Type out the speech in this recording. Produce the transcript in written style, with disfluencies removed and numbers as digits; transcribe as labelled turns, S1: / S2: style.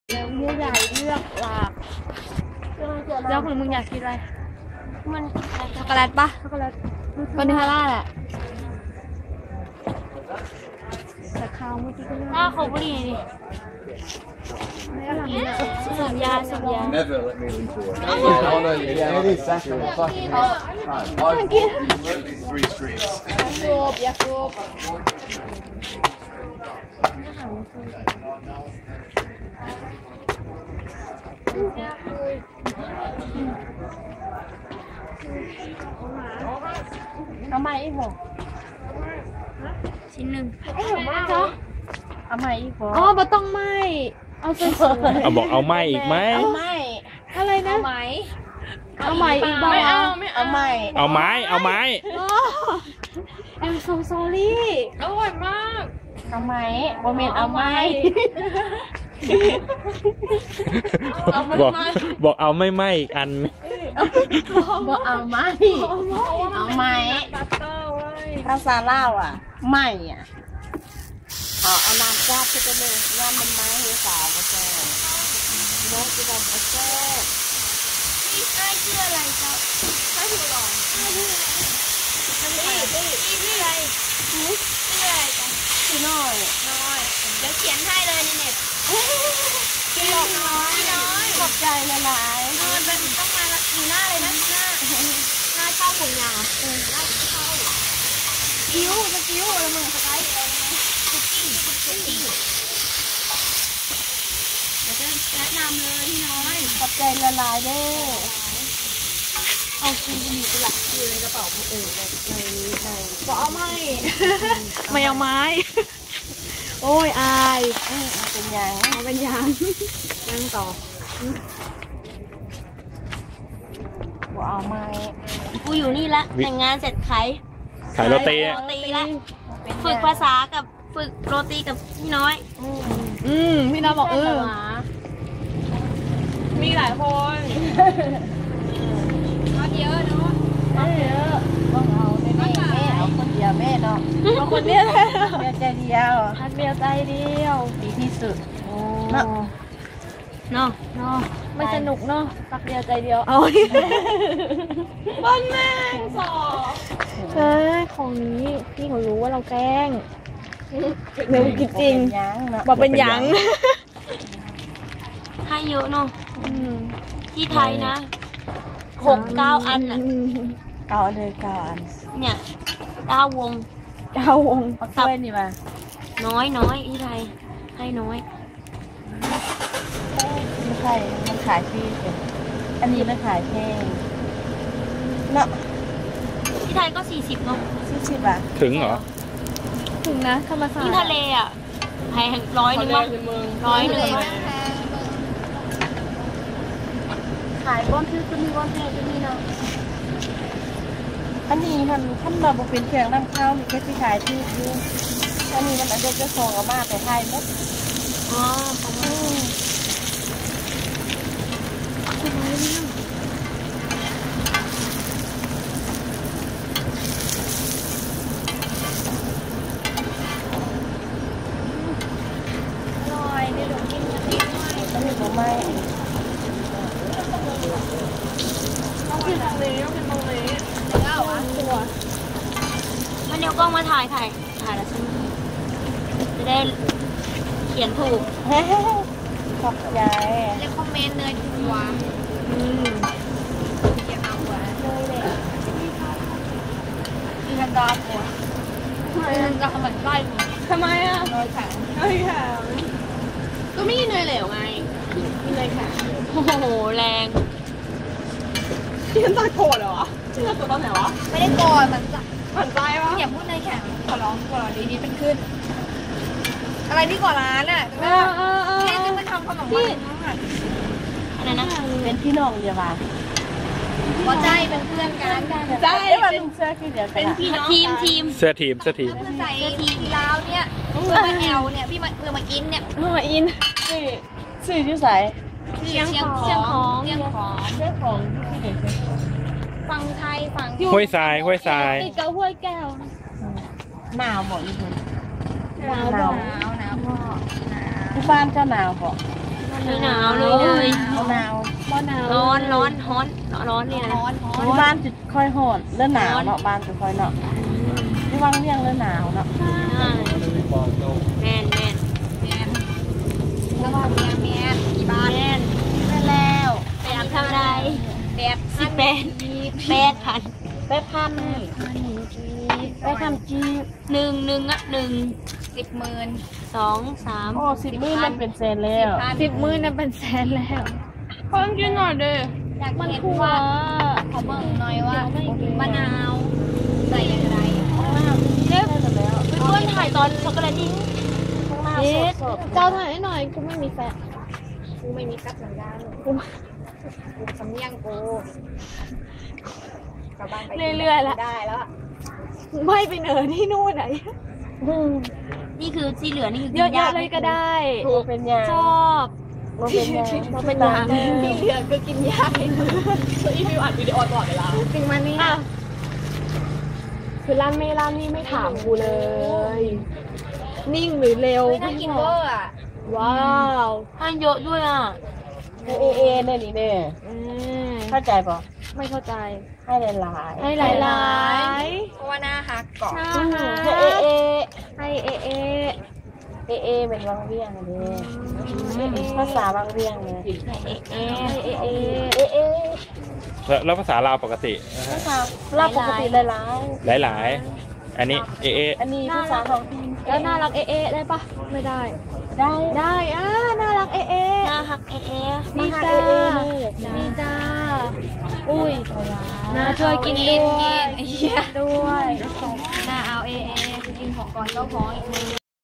S1: แล้วผู้ใหญ่เลือกหลากเลือกมึงอยากกินอะไรมันช็อกโกแลตปะช็อกโกแลตวานิลลาแหละแต่ข้าวเมื่อกี้ก็เลือกถ้าเขาบุหรี่ดิสัญญา
S2: Never let me leave the work. Oh no, yeah, it is fucking three streets.
S1: ยาสูบเอามาอีกบ่ชิ้นหนึ่งเอามาอีกบ่อ๋อบ่ต้องไหมเอาสวยๆ
S3: เอาบอกเอาไหมอีกไหม
S1: เอาไหมอะไรนะเอาไหมอีกบ่ไม่เอาไหม
S3: เอาไม้
S1: I'm so sorry อร่อยมากเอาไหมบ่แม่นเอาไหม
S3: บอกเอาไม่อีกอัน
S1: บอกเอาไหมภาษาลาวอ่ะไม่อ่ะเอาน้ำราดที่จะเลยน้ำมันไม้ให้สาวมาแซ่บน้องจะทำมาแซ่บนี่ไอ้ชื่ออะไรเจ้าไอ้หัวหลอนชื่ออะไรชื่ออะไรจ้ะชื่อน้อยเดี๋ยวเขียนให้เลยในเน็ตพี่น้อยขอบใจละลายมันต้องมาอยู่หน้าเลยนะหน้าเข้าผมยาวหน้าเข้ากิ้วแล้วมึงสไลด์คุกกิ้งเดี๋ยวจะแนะนำเลยพี่น้อยขอบใจละลายเด้อเอาคืนมีหลักคือในกระเป๋าคนอื่นในก็เอาไม่เอาไม้โอ้ยอายเป็นยังต่อกูเอาไม้กูอยู่นี่ละแต่งงานเสร็จขาย
S3: โรตี
S1: ละฝึกภาษากับฝึกโรตีกับพี่น้อยพี่น้อยบอกมีหลายคนมาเยอะเนาะเยอะต้องเอาแม่เอาคนเดียวแม่เนาะเอาคนเดียวใจเดียวดีที่สุดเนาะไม่สนุกเนาะตักเดียวใจเดียวเอาบ้านแม่สอบของนี้พี่เขารู้ว่าเราแกล้งเร็วกินจริงบอกเป็นยังให้เยอะเนาะที่ไทยนะ6-9 อันอ่ะเอาเลย9 อันเนี่ย9 วงเอาถ้วยนี่มาน้อยที่ไทยให้น้อยไม่ใช่มันขายฟรีอันนี้มันขายแพงเนาะที่ไทยก็40เนาะ40 บาท
S3: ถึงเหรอ
S1: ถึงนะธรรมศาสตร์ที่ทะเลอ่ะแพง100 นึงมั้ง100 นึงขายก้อนซื้อจะมีก้อนแพงจะมีเนาะอันนี้ท่านเราบอกเป็นเพียงน้ำข้าวมีแค่ที่ขายที่อยู่อันนี้มันอาจจะส่งออกมาแต่ไทยมั้งมันเดี๋ยวกล้องมาถ่ายแล้วฉันจะได้เขียนถูกขอบใจเลคคอมเมนต์เลยถูกวางเขียนเอาไว้เลยมีกันดาหัวจะทำมันใกล้ทำไมอ่ะน้อยค่ะก็ไม่มีเนยเหลวไงมีเนยค่ะโอ้โหแรงที่ฉันตาโกรธเหรอที่ฉันโกรธตอนไหนวะไม่ได้โกรธมันใจวะอย่าพูดในแข่งขอร้องดีเป็นขึ้นอะไรที่ก่อร้านอ่ะแค่จะมาทำขนมปังอะไรนะเป็นพี่น้องเดียวกันพอใจเป็นเพื่อนกันใจเป็นเสื้อที่เดียวกันเป็นพี่น้องทีม
S3: เสื้อทีมใส่ทีม
S1: ลาวเนี่ยเพื่อมาแอลเนี่ยพี่มาอินเนี่ยมาอินสื่อที่ใส่เชียงของที่เด็กฝั่งไทยฝั่ง
S3: ห้วยทราย
S1: ติดกับห้วยแก้วหนาวหมดอีกคนหนาวที่บ้านเจ้าหนาวบอกไม่หนาวเลย
S4: หนาวบ่หนาว
S1: ร้อนนี่นะ
S4: ที่บ้านจะค่อยหอนเริ่มหนาวเนาะบ้านจะค่อยเนาะที่วังเรียงเริ่มหนาวเนาะ
S1: แม่นแล้วก็แม่นกี่บาทแม่น
S4: ได้แล้ว
S1: ไปทำเท่าไร8,000
S4: ไปทำจี
S1: 1 10,000 2 3
S4: โอ้10,000มันเป็นแสนแล้ว
S1: 10,000นั่นเป็นแสนแล้วเพิ่มกินหน่อยเด้ออยากเห็นว่าเขาเบิ่งหน่อยว่ามะนาวใส่อย่างไรเพื่อนถ่ายตอนช็อกโกแลตดิ้งเจ้าถ่ายให้หน่อยกูไม่มีแฟนกูไม่มีกั๊บสัญญาณกูสำเนียงกูกลับบ้านไปเรื่อยๆแล้วได้แล้วไม่ไปเหนือที่นู่นไหนนี่คือที่เหลือนี่คือเยอะๆเลยก็ได้
S4: เป็นยา
S1: ชอบ
S4: เป็นยา
S1: เป็นยาที่เหลือก็กินยาคืออีฟิวอัดวิดีโอตลอดเวลาจริงมันนี่คือร้านนี่ไม่ถามกูเลย นิ่งหรือเร็วน่ากินเวอร์อ่ะว้าวให้เยอะด้วยอ่ะ
S4: เอเนี่ยนี่เนี่ยเข้าใจป่ะ
S1: ไม่เข้าใจ
S4: ให้หลายๆ
S1: ให้หลายๆเพราะว่าหน้าฮักเกาะหน้าฮักให้เอ
S4: เป็นวังเวียงเลยภาษาวังเวียงเลยเอ
S3: แล้วภาษาลาวปกติ
S4: ภาษาลาวปกติหลาย
S3: อันนี้
S4: อันนี้ภาษาท้องถิ่น
S1: แล้วน่ารักได้ปะไม่ได้น่ารักน่าฮักนี่จ้าอุ้ยน่าช่วยกินด้วยน่าเอากินของก่อนเจ้าของอีกนึง